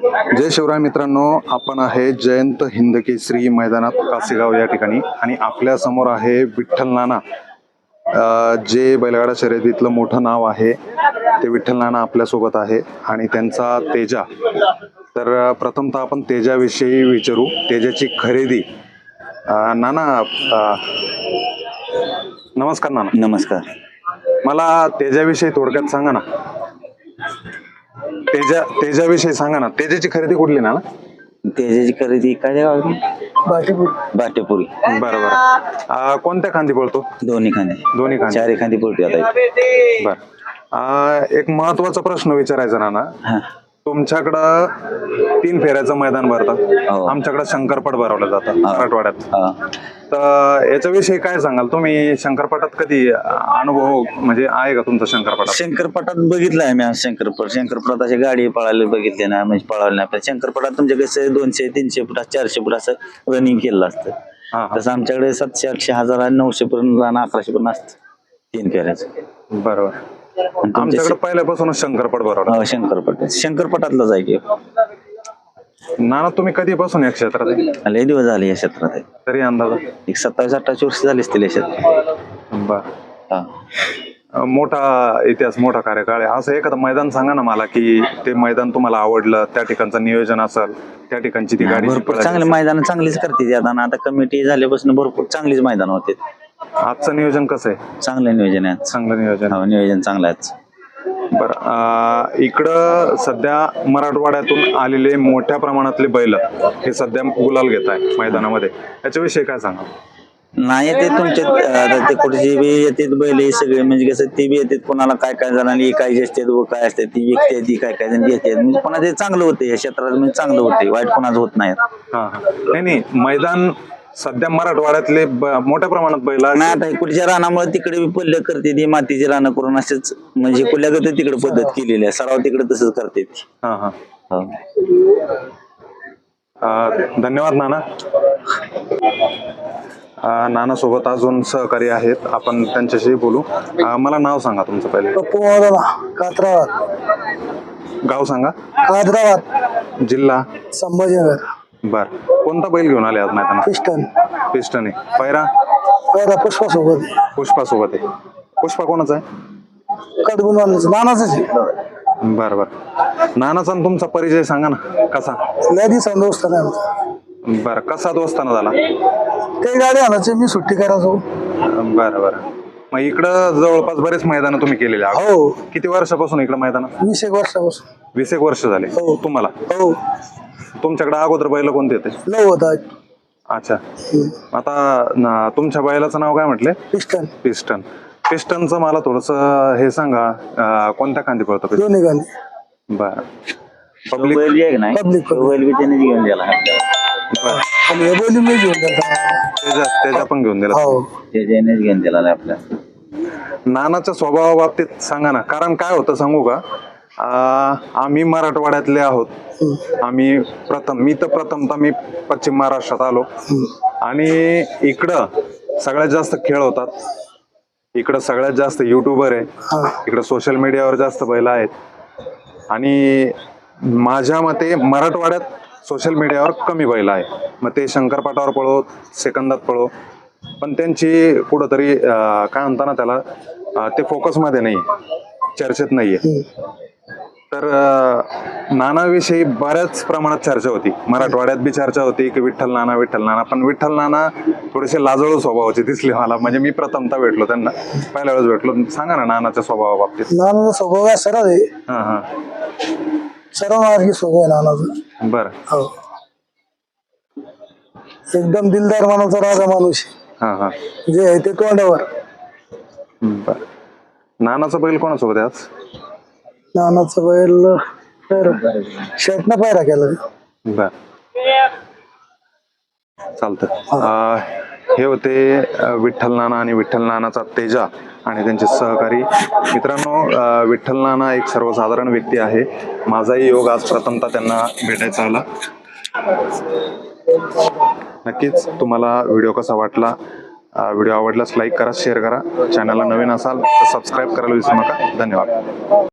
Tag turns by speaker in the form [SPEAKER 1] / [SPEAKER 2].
[SPEAKER 1] जय शिवराय मित्रांनो, आपण आहे जयंत हिंद केसरी मैदानात कासेगाव या ठिकाणी आणि आपल्या समोर आहे विठ्ठल नाना, जे बैलगाडा शर्यतीतलं मोठं नाव आहे. ते विठ्ठल नाना आपल्यासोबत आहे आणि त्यांचा तेजा. तर प्रथमतः आपण तेजाविषयी विचारू, तेजाची खरेदी. नाना, नमस्कार नाना.
[SPEAKER 2] नमस्कार.
[SPEAKER 1] मला तेजाविषयी थोडक्यात सांगा ना. तेजाविषयी सांगा ना. तेजाची खरेदी कुठली ना?
[SPEAKER 2] तेजाची खरेदी काय बाटेपुरी.
[SPEAKER 1] बरोबर. कोणत्या खांदी पळतो?
[SPEAKER 2] दोन्ही खांदी. चारी खांदी पळतो आता.
[SPEAKER 1] बर. एक महत्वाचा प्रश्न विचारायचा नाना. तुमच्याकडं 3 फेऱ्याचं मैदान भरतं, आमच्याकडे शंकरपट भरवलं जातं मराठवाड्यात. तर याच्याविषयी काय सांगाल तुम्ही? शंकरपटात कधी अनुभव म्हणजे आहे का तुमचा शंकरपटात?
[SPEAKER 2] शंकरपटात बघितलाय मी. शंकरपटात अशी गाडी पळायला बघितली ना, म्हणजे पळायला नाही. शंकरपटात तुमच्या कसं 200-300 फूट 400 फूट असं रनिंग केलेलं असतं. तसं आमच्याकडे 700, 800, 1000, 900 पर्यंत आणि 1100 पर्यंत असतं 3 फेऱ्याचं.
[SPEAKER 1] बरोबर. आमच्याकडे पहिल्यापासूनच शंकरपट भरवलं.
[SPEAKER 2] शंकरपटातलाच आहे की.
[SPEAKER 1] नाना, तुम्ही कधीपासून या क्षेत्रात आहे?
[SPEAKER 2] लय दिवस झाले या क्षेत्रात आहे.
[SPEAKER 1] तरी अंदाज
[SPEAKER 2] एक 27-28 वर्ष झाली असतील या क्षेत्रात.
[SPEAKER 1] बर. मोठा इतिहास, मोठा कार्यकाळ आहे. असं एखादं मैदान सांगा ना मला, की ते मैदान तुम्हाला आवडलं, त्या ठिकाणचं नियोजन असेल, त्या ठिकाणची ती गाडी.
[SPEAKER 2] भरपूर चांगले मैदान चांगलीच करते आता कमिटी झाल्यापासून भरपूर चांगलीच मैदान होते.
[SPEAKER 1] आजचं नियोजन कसं आहे?
[SPEAKER 2] चांगलं नियोजन आहे.
[SPEAKER 1] चांगलं नियोजन.
[SPEAKER 2] नियोजन चांगलं आहे.
[SPEAKER 1] बरं. इकडं सध्या मराठवाड्यातून आलेले मोठ्या प्रमाणातले बैल हे सध्या गुलाल घेत आहे मैदानामध्ये. याच्याविषयी काय सांगा?
[SPEAKER 2] नाही, ते तुमच्या ते कुठची बी येते बैल सगळे, म्हणजे कसं ते बी येतात. कोणाला काय काय जणांनी काय असते काय असते ती विकते, ती काय काय जण घेते. म्हणजे कोणाचं ते चांगलं होते या क्षेत्रात, म्हणजे चांगलं होते, वाईट कोणाचं होत नाही.
[SPEAKER 1] नाही, मैदान सध्या मराठवाड्यातले मोठ्या प्रमाणात बैल
[SPEAKER 2] नाही. आता कुठच्या रानामुळे तिकडे पल्ले करते ती मातीची रानं करून असेच, म्हणजे कुठल्या तिकडे पद्धत केलेली आहे. सराव तिकडे तसंच करते.
[SPEAKER 1] धन्यवाद नाना. नाना सोबत अजून सहकारी आहेत, आपण त्यांच्याशी बोलू. मला नाव सांगा तुमचं पहिले. गाव सांगा.
[SPEAKER 3] कादराबाद,
[SPEAKER 1] जिल्हा
[SPEAKER 3] संभाजीनगर.
[SPEAKER 1] बर. कोणता बैल घेऊन आले आज मैदानात? पिस्टन आहे. पैरा
[SPEAKER 3] पुष्पा सोबत.
[SPEAKER 1] पुष्पा सोबत आहे. पुष्पा कोणाचा आहे?
[SPEAKER 3] नानाच.
[SPEAKER 1] बर बर. नानाचा तुमचा परिचय सांगा ना. कसा?
[SPEAKER 3] दोस्त नाही.
[SPEAKER 1] बर. कसा दोस्ताना झाला?
[SPEAKER 3] ते गाडी आणायची, मी सुट्टी करायचो.
[SPEAKER 1] बर बर. मग इकडं जवळपास बरेच मैदान तुम्ही केलेले?
[SPEAKER 3] हो.
[SPEAKER 1] किती वर्षापासून इकडं मैदान?
[SPEAKER 3] 20 वर्षापासून.
[SPEAKER 1] 20 वर्ष झाले तुम्हाला?
[SPEAKER 3] हो.
[SPEAKER 1] तुमच्याकडे अगोदर बैल कोणते होते?
[SPEAKER 3] लव होता.
[SPEAKER 1] अच्छा. आता तुमच्या बैलाचं नाव काय म्हटले?
[SPEAKER 3] पिस्टन.
[SPEAKER 1] पिस्टनचं मला थोडस हे सांगा, कोणत्या खांदी पळतो?
[SPEAKER 3] दोन्ही खांदी.
[SPEAKER 1] बर.
[SPEAKER 2] पब्लिक घेऊन गेला.
[SPEAKER 1] त्याच्या पण घेऊन दिला.
[SPEAKER 2] घेऊन दिला आपल्या.
[SPEAKER 1] नानाच्या स्वभावाबाबतीत सांगा ना. कारण काय होतं सांगू का, आम्ही मराठवाड्यातले आहोत. आम्ही मी पश्चिम महाराष्ट्रात आलो आणि इकडं सगळ्यात जास्त खेळ होतात. इकडं सगळ्यात जास्त युट्यूबर आहे. इकडं सोशल मीडियावर जास्त बैल आहेत आणि माझ्या मते मराठवाड्यात सोशल मीडियावर कमी बैल आहे. मग ते शंकरपाटावर पळो, सेकंदात पळो, पण त्यांची कुठंतरी काय म्हणता ना त्याला, ते फोकसमध्ये नाही, चर्चेत नाहीये. तर नानाविषयी बऱ्याच प्रमाणात चर्चा होती. मराठवाड्यात बी चर्चा होती की विठ्ठल नाना. पण विठ्ठल नाना थोडेसे लाजळू स्वभावाचे दिसले मला. म्हणजे मी प्रथमतः भेटलो त्यांना, पहिल्या वेळेस भेटलो. सांगा ना नानाच्या स्वभावाबाबतीत.
[SPEAKER 3] नानाचा स्वभाव आहे सरळ आहे. सर्व मार्गी स्वभाव आहे नानाचा.
[SPEAKER 1] बर.
[SPEAKER 3] एकदम दिलदार माणूस, राजा माणूस जे आहे ते तोंडावर.
[SPEAKER 1] बर. नानाचा बैल कोणासोबत आहे आज?
[SPEAKER 3] नानाचा बैल शर्टनं पायरा केला.
[SPEAKER 1] बर. चालतं. हे होते विठ्ठल नाना आणि विठ्ठल नानाचा तेजा आणि त्यांचे सहकारी. मित्रांनो, विठ्ठल नाना एक सर्वसाधारण व्यक्ती आहे. माझाही योग आज प्रथमतः त्यांना भेटायचा आला. नक्कीच तुम्हाला व्हिडिओ कसा वाटला? व्हिडिओ आवडल्यास लाईक करा, शेअर करा. चॅनलला नवीन असाल तर सबस्क्राईब करायला विसरू नका. धन्यवाद.